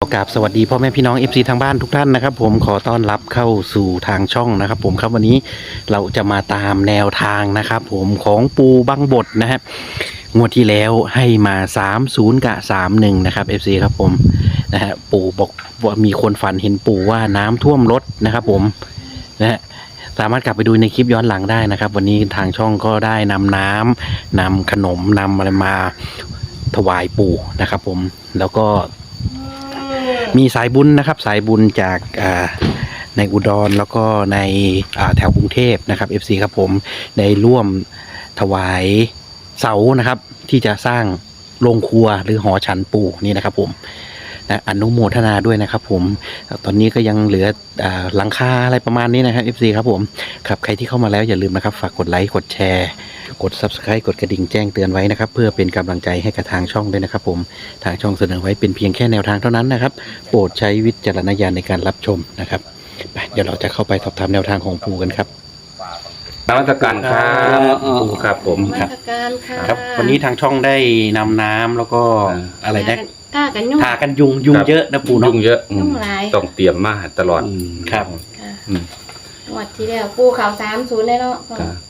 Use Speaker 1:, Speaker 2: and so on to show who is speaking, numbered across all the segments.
Speaker 1: กราบสวัสดีพ่อแม่พี่น้อง FC ทางบ้านทุกท่านนะครับผมขอต้อนรับเข้าสู่ทางช่องนะครับผมครับวันนี้เราจะมาตามแนวทางนะครับผมของปูบังบดนะฮะงวดที่แล้วให้มา30กับ31นะครับ FC ครับผมนะฮะปู่บอกว่ามีคนฝันเห็นปู่ว่าน้ำท่วมรถนะครับผมนะฮะสามารถกลับไปดูในคลิปย้อนหลังได้นะครับวันนี้ทางช่องก็ได้นำน้ำนำขนมนำอะไรมาถวายปู่นะครับผมแล้วก็มีสายบุญนะครับสายบุญจากในอุดรแล้วก็ในแถวกรุงเทพนะครับ FC ครับผมได้ร่วมถวายเสานะครับที่จะสร้างโรงครัวหรือหอฉันปู่นี่นะครับผมนะอนุโมทนาด้วยนะครับผมตอนนี้ก็ยังเหลือหลังคาอะไรประมาณนี้นะครับ FC ครับผมครับใครที่เข้ามาแล้วอย่าลืมนะครับฝากกดไลค์กดแชร์กด Subscribe กดกระดิ่งแจ้งเตือนไว้นะครับเพื่อเป็นกำลังใจให้กับทางช่องด้วยนะครับผมทางช่องเสนอไว้เป็นเพียงแค่แนวทางเท่านั้นนะครับโปรดใช้วิจารณญาณในการรับชมนะครับเดี๋ยวเราจะเข้าไปสอบถามแนวทางของปู่กันครับ
Speaker 2: นมัสการครับปู่ครับผม
Speaker 3: นมัสการค่ะ
Speaker 1: ครับวันนี้ทางช่องได้นำน้ำแล้วก็อะไรนะ
Speaker 3: ท่ากันยุ่ง
Speaker 1: ทากันยุงเยอะนะปู่เนาะ
Speaker 2: ยุ่งเยอะ
Speaker 3: ยุ่งหลาย
Speaker 2: ต้องเตรียมมาตลอด
Speaker 1: ครับ
Speaker 3: ค่ะ
Speaker 2: อืม
Speaker 3: งวดที่แล้วปูเขา30เลยเนาะ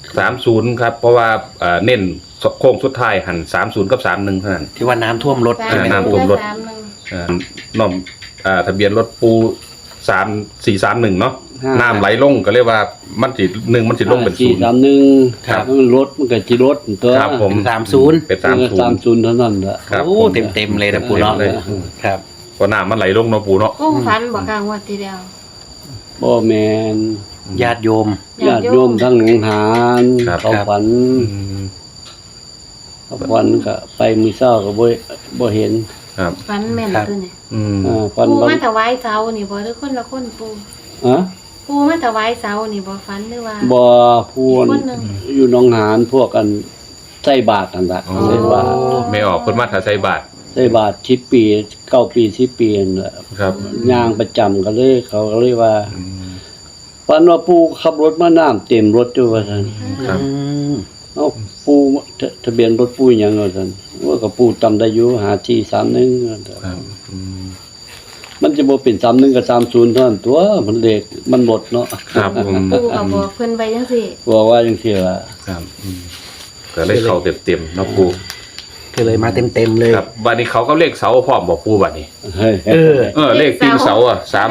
Speaker 2: 30ครับเพราะว่าเน้นโค้งสุดท้ายหัน30กับ31เท่านั้น
Speaker 1: ที่ว่าน้ำท่วมรถ
Speaker 3: สา
Speaker 1: ใช่ไหม
Speaker 2: น้ำท่วมรถ น้อมทะเบียนรถปู3431เนาะน้ำไหลลงก็เรียกว่ามันสิมันสิลงเป็นศูนย์
Speaker 4: 431ครับมันรถมันก็สิรถตัว
Speaker 2: ครับผม
Speaker 1: 30
Speaker 2: เป็น
Speaker 4: 30เท่านั้นแหละ
Speaker 2: ครับ
Speaker 1: โอ้เต็มเลยนะปู่เนาะ
Speaker 2: เลย
Speaker 1: ครับ
Speaker 2: เพราะน้ำมันไหลลงเนาะปูเนาะ
Speaker 3: กุ้งฟันบอกกลางงวดที่แล้ว
Speaker 4: บ่แม่น
Speaker 1: ญาติโยม
Speaker 4: ญาติโยมทั้งหนองหาน
Speaker 2: ครับ
Speaker 4: เขาฝัน
Speaker 2: อืม
Speaker 4: เขาฝันก็ไปมื้อเช้าก็บ่เห็น
Speaker 2: ครับ
Speaker 3: ฟันแม่นตัวนี่
Speaker 2: อืม
Speaker 4: ฝัน
Speaker 3: ปู
Speaker 4: บ่
Speaker 3: มาถวายเสานี่บ่หรือคนละคนปู
Speaker 4: ฮะ
Speaker 3: ปูมาถวายเสานี่บ่ฟันหรือว่า
Speaker 4: บ่พูน
Speaker 3: คนหนึ่ง
Speaker 4: อยู่หนองหานพวกกันใส่บาตรนั่นล่ะ
Speaker 2: โอ้
Speaker 4: ใส่บาตร
Speaker 2: ไม่ออกคนมาถาใส่บาท
Speaker 4: ใส่บาตร10ปี9ปี10ปีนั่นแหละ
Speaker 2: ครับ
Speaker 4: ย่างประจำก็เลยเขาก็เลยว่า
Speaker 2: อืม
Speaker 4: ฝันว่าปู่ขับรถมาน้ำเต็มรถอยู่ว่าซั่น
Speaker 2: ครับ
Speaker 4: เอ้าปูทะเบียนรถปูหยังว่าซั่นว่าก็ปูจำได้อยู่5431ว่าซั่น
Speaker 2: ครับอืม
Speaker 4: มันจะบ่เป็น31กับ30เท่านั้นตัวมันเลขมันหมดเนาะ
Speaker 2: ครับผม
Speaker 3: ปูก็บอกเพิ่นไปจังซี่
Speaker 4: บอกว่าจังซี่ล่ะ
Speaker 2: ครับก็เลขเขาเต็มๆเนาะปู
Speaker 1: ก็เลยมาเต็มเลย
Speaker 2: ครับบัดนี้เขาก็เลขเสาพร้อมบอกปูบัดนี้
Speaker 4: เฮ้ย
Speaker 2: เลขตีนเสาอ่ะ350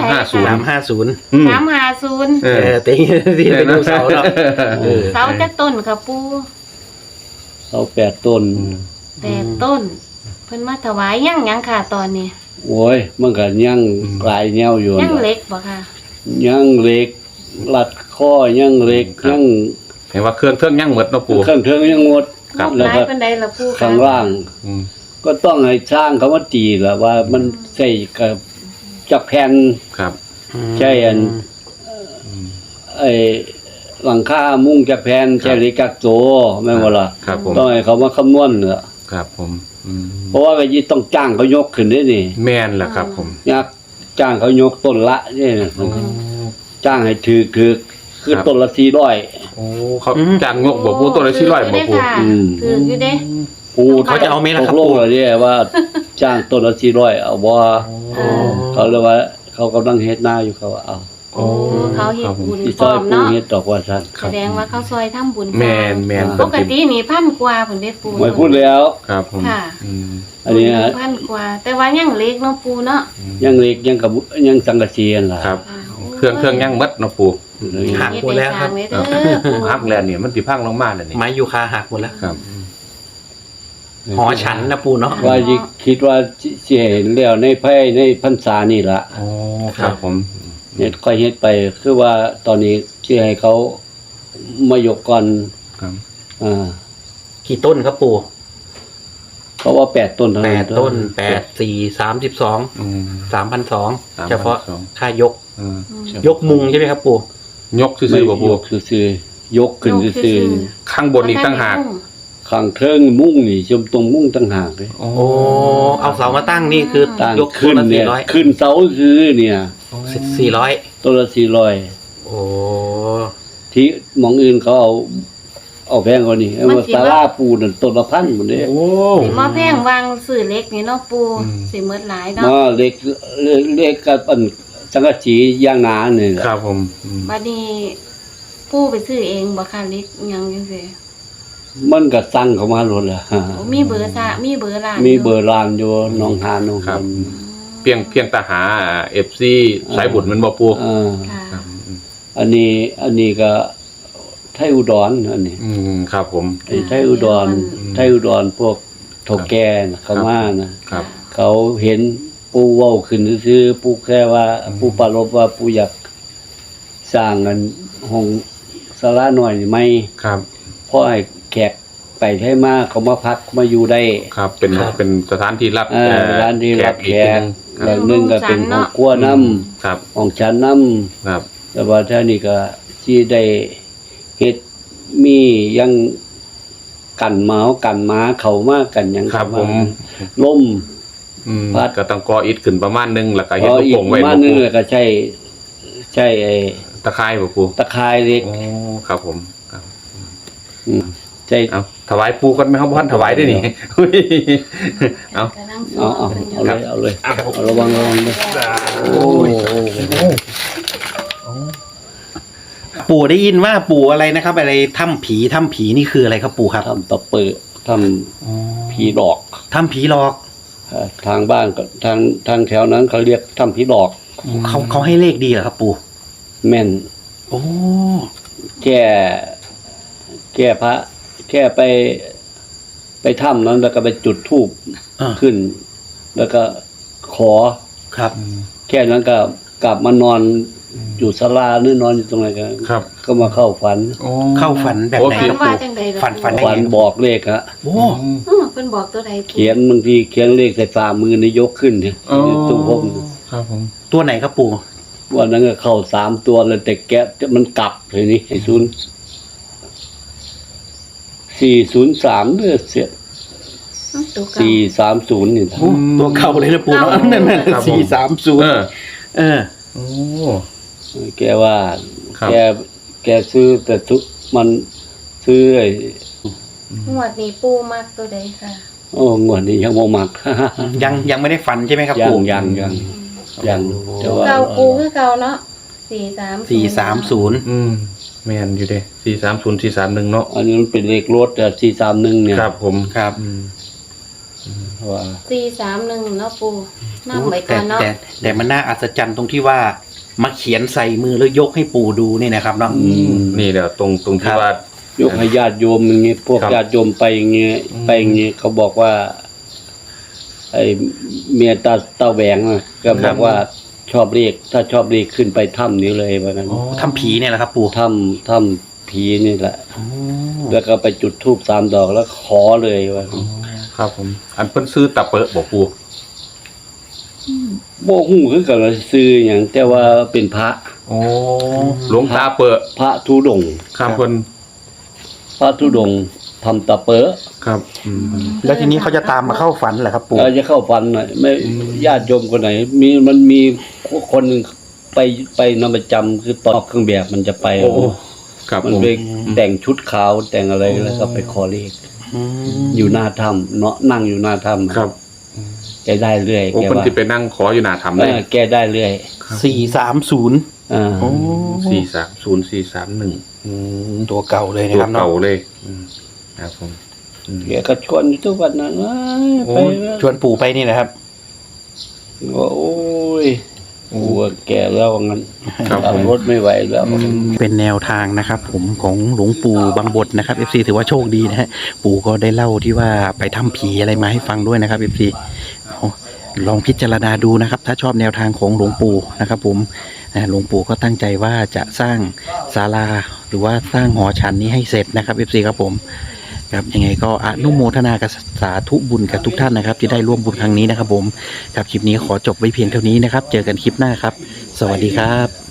Speaker 1: 350
Speaker 3: 350
Speaker 2: เออ
Speaker 1: ตีที่ไปดูเสาเนาะ
Speaker 3: เสาจักต้นค่ะปู
Speaker 4: เอา8ต้น
Speaker 3: 8ต้น เพิ่นมาถวายยังค่ะตอนนี้
Speaker 4: โอ้ยมันก็ยังหลายแนวอยู่
Speaker 3: ยัง
Speaker 4: น่ะ
Speaker 3: เล็กบ่ค่ะ
Speaker 4: ยังเหล็กลัดข้อยังเหล็กยัง
Speaker 2: เห็นว่าเครื่องยังหมดเนาะปู
Speaker 4: เครื่องเทิงยังหมด
Speaker 2: ครับ
Speaker 4: แล้ว
Speaker 3: หลาย
Speaker 4: ก็
Speaker 3: ปานใดล่ะปูคะ
Speaker 4: ข้างล่าง
Speaker 2: อืม
Speaker 4: ก็ต้องให้ช่างเขามาตีล่ะว่ามันใส่กับจักแผ่น
Speaker 2: ครับ
Speaker 4: ใช่อันไอ้หลังคามุ้งจากแผ่นใช่เหล็กกักโจแม่นบ่ล่ะ
Speaker 2: ครับผม
Speaker 4: ต้องให้เขามาคำนวณน่ะ
Speaker 2: ครับผมอืม
Speaker 4: เพราะว่าก็ยี่ต้องจ้างเขายกขึ้นได้นี่
Speaker 2: แม่นแหละครับผม
Speaker 4: อยากจ้างเขายกต้นละนี่นะ
Speaker 2: โอ้
Speaker 4: จ้างให้ถือคือ
Speaker 2: ครับ
Speaker 4: ต้นละ400
Speaker 2: โอ้เขาจ้างงกบอกปูตัวละ400บอกปู
Speaker 3: ถืออยู่เด้
Speaker 4: ปู
Speaker 1: เขาจะเอาไหมล่ะครับ
Speaker 4: ตกลง
Speaker 1: ปู่
Speaker 4: แล้วเนี่ยว่าจ้างต้นละ400เอาบ่
Speaker 3: โอ้
Speaker 4: เขาเลยว่าเขากำลังเฮ็ดนาอยู่เขาว่าเอา
Speaker 3: โอ้เขาเฮ็ดบุญ
Speaker 4: ที่
Speaker 3: พ
Speaker 4: ซ
Speaker 3: ร้
Speaker 4: อ
Speaker 3: อย ม
Speaker 4: ปู
Speaker 3: เนาะ
Speaker 4: เฮ็ดดอกว่าซั่น
Speaker 3: แสดงว่าเขาซอยทำบุญ
Speaker 2: แม่น
Speaker 3: ปกตินี่1,000กว่าพุ่นเด้ปู
Speaker 4: ไม่พูดแล้ว
Speaker 2: ครับผม
Speaker 3: ค่ะ
Speaker 2: อืม
Speaker 4: อันนี้ฮะ
Speaker 3: 1,000กว่า แต่ว่ายังเล็กเนาะปูเนาะ
Speaker 4: ยังเล็กยังกับยังสังกะสีนั่นล่ะ
Speaker 2: ครับ
Speaker 3: ค่ะ
Speaker 2: เครื่องยังหมดเนาะปู
Speaker 1: หักหมดแล้วครับ
Speaker 3: เฮ็ดให้สางไว้เด้อปู
Speaker 2: ฮักแลนเนี่ยมันสิพังลงมาแล้วนี่
Speaker 1: ไม้ยูคาหักหมดแล้ว
Speaker 2: ครับ
Speaker 1: หอฉันนะปู่เนาะ
Speaker 4: ว่าสิคิดว่าสิเห็นแล้วในพรรษานี่ล่ะ
Speaker 2: โอ้ครับผม
Speaker 4: เนี่ยค่อยเฮ็ดไปคือว่าตอนนี้สิให้เขามายกก่อน
Speaker 2: ครับ
Speaker 1: กี่ต้นครับปู่
Speaker 4: เพราะว่า8ต้นเท่านั้น
Speaker 1: 8 ต้น 8 4 32
Speaker 2: อืม
Speaker 1: 3,200เฉพาะค่ายก
Speaker 2: เออ
Speaker 3: อืม
Speaker 1: ยกมุงใช่ไหมครับปู่
Speaker 2: ยกซื่อๆบ่ปู
Speaker 4: ยกซื่อๆยกขึ้นซื่อ
Speaker 2: ข้างบนอีกตั้งหาก
Speaker 4: ๆข้างเทิงมุ้งนี่ชมตรงมุ้งต่างหากเลย
Speaker 2: โอ้
Speaker 1: โอ้เอาเสามาตั้งนี่คือ
Speaker 4: ตั้ง
Speaker 1: ยก
Speaker 4: ขึ้น
Speaker 1: ละ
Speaker 4: เนี่ย
Speaker 1: 400
Speaker 4: ขึ้นเสาคือเนี่ย
Speaker 1: 400
Speaker 4: ต้นละ400
Speaker 1: โอ้
Speaker 4: ที่หมองอื่นเขาเอาแพงกว่านี้
Speaker 3: มัน
Speaker 4: ว่า
Speaker 3: สิ
Speaker 4: ศาลาปูนั่นต้นละพันหมดเด้
Speaker 2: โอ้
Speaker 3: สิมาแพงวางซื้อเล็กนี่เนาะปูสิหมดหลายเนาะ
Speaker 4: มาเล็กกับอันสังกะสีย่างหนานี่แหละ
Speaker 2: ครับผมอืม
Speaker 3: บัดนี้ปูไปซื้อเองบ่ค่ะเล็กหยังจังซี่
Speaker 4: มันก็สั่งเข้ามาโลดล่ะ
Speaker 3: โอ้มีเบอร์มีเบอร์ร้าน
Speaker 4: มี
Speaker 3: ยู่
Speaker 4: เบอร์ร้านอยู่หนองหานหนอง
Speaker 2: ครับ
Speaker 4: หาน
Speaker 2: เพียงแต่หา FC สายบุญมันบ่ปู
Speaker 3: ค่ะ
Speaker 2: ครับอืม
Speaker 4: อันนี้ก็ไทยอุดรอันนี้
Speaker 2: ครับผม
Speaker 4: ไอ้ไทยอุดรพวกโถแก่น่ะเขามานะครับ เขาเห็นปูเว้าขึ้นซื่อๆปูแค่ว่าปูปรารภว่าปูอยากสร้างอันห้องศาลาหน่อยไหม
Speaker 2: ครับ
Speaker 4: เพราะไอ้แขกไปไทยมาเขามาพักมาอยู่ได้
Speaker 2: ครับเป็นสถานที่รับ
Speaker 4: ร้านที่รับแขก
Speaker 2: ค
Speaker 4: แบ
Speaker 2: รับบ
Speaker 4: นึงก็เป็นห้องครัวน้ำ
Speaker 2: ครับ
Speaker 4: ห้องชั้นน้
Speaker 2: ครับ
Speaker 4: ำแต่ว่าท่านี่ก็ที่ได้เฮ็ดมียังกันหมากันหมาเขามากันหยัง
Speaker 2: ครับ
Speaker 4: เข้า
Speaker 2: ผม
Speaker 4: ล่ม พัด
Speaker 2: ก็ต้องก่ออิฐขึ้นประมาณนึงแล้วก็เฮ็ด
Speaker 4: พอ
Speaker 2: ลูก
Speaker 4: อีก
Speaker 2: โป่ง
Speaker 4: ป
Speaker 2: ไว้
Speaker 4: ระมาณ
Speaker 2: บ่
Speaker 4: นึง
Speaker 2: ปู
Speaker 4: แล้วก็ใช่ไอ้
Speaker 2: ตะไคร้บ่ปู
Speaker 4: ตะไคร้เล็ก
Speaker 2: โอ้ครับผมครับ
Speaker 4: อืมใช่
Speaker 2: เอาถวายปูกันไหมครับพ่อนถวายได้นี่เอา
Speaker 3: กำลัง
Speaker 4: เอาเลยเอาระวังเลยโอ้ย
Speaker 1: ปู่ได้ยินว่าปู่อะไรนะครับ อะไรถ้ำผีนี่คืออะไรครับปู่ครับ
Speaker 4: ทำตะเปิดทำผีดอก
Speaker 1: ถ้ำผีหลอก
Speaker 4: ทางบ้านก็ทางแถวนั้นเขาเรียกทำผีดอก
Speaker 1: เขาให้เลขดีเหรอครับปู่
Speaker 4: แม่น
Speaker 1: โอ้
Speaker 4: แค่พระแค่ไปถ้ำนั้นแล้วก็ไปจุดธูป ขึ้น แล้วก็ขอ
Speaker 1: ครับ
Speaker 4: แค่นั้นก็กลับมานอนอยู่ศาลาหรือนอนอยู่ตรงไหนกัน
Speaker 2: ครับ
Speaker 4: ก็มาเข้าฝัน
Speaker 2: โอ้
Speaker 1: เข้าฝันแบบไหน
Speaker 3: ฝัน
Speaker 1: ครับ
Speaker 3: ว่า
Speaker 1: ปู่
Speaker 3: จังได๋ล่ะ
Speaker 1: ฝัน
Speaker 4: ฝันบอกเลขฮะ
Speaker 1: โอ้
Speaker 3: เพิ่นบอกตัวใด
Speaker 4: เขียนบางทีเขียนเลขใส่ฝ่ามือนี่ยกขึ้นเนี่ย
Speaker 2: โอ้
Speaker 4: ตู้พม
Speaker 2: ครับผม
Speaker 1: ตัวไหนครับปู่
Speaker 4: วันนั้นก็เข้า3 ตัวเลยแต่แกะมันกลับเลยนี่ไอ้403เด้อเสีย
Speaker 3: ตัวเก่า
Speaker 4: 430นี่
Speaker 1: โอ้ตัวเก่าเลยนะปู่เนาะนั่น
Speaker 2: ครับผม
Speaker 1: 430
Speaker 2: เออ
Speaker 1: เออ
Speaker 2: โอ้
Speaker 4: แกว่า
Speaker 2: ครับ
Speaker 4: แกซื้อแต่มันซื้อไอ้
Speaker 3: งวดนี้ปูมักตัวใดค่ะ
Speaker 4: โอ้งวดนี้ยังบ่มัก
Speaker 1: ยังไม่ได้ฝันใช่ไหมครับ
Speaker 4: ยัง
Speaker 1: ปู่
Speaker 4: ยังแต่ว่า
Speaker 3: เก่าปูคือเก่าเนาะ430
Speaker 2: อืมแม่นอยู่เด้430 431เนาะ
Speaker 4: อันนี้มันเป็นเลขรถแต่431เนี่ย
Speaker 2: ครับผม
Speaker 1: ครับ
Speaker 4: ว่า
Speaker 3: 431เนาะปูนำไว้ก่อนเนาะ
Speaker 1: แต่มันน่าอัศจรรย์ตรงที่ว่ามาเขียนใส่มือแล้วยกให้ปู่ดูนี่นะครับเนาะ
Speaker 2: นี่เดี๋ยวตรง
Speaker 1: ครั
Speaker 2: ที่
Speaker 1: บ
Speaker 2: ว่า
Speaker 4: ยกให้ญาติโยมอย่างงี้พวก
Speaker 2: ครับ
Speaker 4: ญาติโยมไปอย่างงี้
Speaker 2: อืม
Speaker 4: ไปอย่างงี้เขาบอกว่า ไอ้เมียตาแหวงน่ะก็บอกว่าชอบเลขถ้าชอบเลขขึ้นไปถ้ำนี้เลยว่างั้น
Speaker 1: ถ้ำผีเนี่ยแหละครับปู่
Speaker 4: ถ้ำผีนี่แหละ
Speaker 1: โอ้
Speaker 4: แล้วก็ไปจุดธูป3 ดอกแล้วขอเลยว่างั้น
Speaker 2: ครับผม อันเพิ่นซื้อตะเปอะบ่ปู
Speaker 4: บ่ฮู้คือกันว่าซื้อหยังแต่ว่าเป็นพระ
Speaker 2: โอ้หลวงตาเปอะ
Speaker 4: พระธุดงค์
Speaker 2: ครับเพิ่น
Speaker 4: พระธุดงค์ทำตะเปอะ
Speaker 2: ครับอืม
Speaker 1: แล้วทีนี้เขาจะตามมาเข้าฝันเหรอครับปู่
Speaker 4: เราจะเข้าฝันหน่อยไม่ญาติโยมคนไหน มันมีคนหนึงไปนำประจำคือตอนออกเครื่องแบบมันจะไป
Speaker 2: โอ้ครับ
Speaker 4: มัน
Speaker 2: ผม
Speaker 4: ไปแต่งชุดขาวแต่งอะไรแล้วก็ไปขอเลข
Speaker 1: อืม
Speaker 4: อยู่หน้าถ้ำเนาะนั่งอยู่หน้าถ้ำ
Speaker 2: ครับ
Speaker 4: แกได้เรื่อย
Speaker 2: โอ้
Speaker 4: แก
Speaker 2: เพิ่น
Speaker 4: ว่า
Speaker 2: สิไปนั่งขออยู่หน้าถ้ำ
Speaker 4: เอ
Speaker 2: เลย
Speaker 4: อแกได้เรื่อย
Speaker 1: 430
Speaker 4: อ่า
Speaker 1: โอ้
Speaker 2: 430 431
Speaker 1: อืมตัวเก่าเลยนะ
Speaker 2: ตัว
Speaker 1: ครับเนาะ
Speaker 2: เก่าเลยครับผมอืม
Speaker 4: แกก็ชวนอยู่ทุกวันนั้นว่า
Speaker 2: โอ้
Speaker 4: ไปนะ
Speaker 1: ชวนปู่ไปนี่นะครับ
Speaker 4: ว่าโอ้ยกูว่าแก่แล้วว่างั้น
Speaker 2: ครับ
Speaker 4: ขับ
Speaker 2: ผม
Speaker 4: รถไม่ไหวแล้ว
Speaker 1: เป็นแนวทางนะครับผมของหลวงปู่บางบทนะครับ FC ถือว่าโชคดีนะฮะปู่ก็ได้เล่าที่ว่าไปทำผีอะไรมาให้ฟังด้วยนะครับ FC ลองพิจารณาดูนะครับ ถ้าชอบแนวทางของหลวงปู่นะครับผมหลวงปู่ก็ตั้งใจว่าจะสร้างศาลาหรือว่าสร้างหอฉันนี้ให้เสร็จนะครับ FC ครับผมครับยังไงก็อนุโมทนากับสาธุบุญกับทุกท่านนะครับ ที่ได้ร่วมบุญครั้งนี้นะครับผมครับคลิปนี้ขอจบไว้เพียงเท่านี้นะครับ เจอกันคลิปหน้าครับ สวัสดีครับ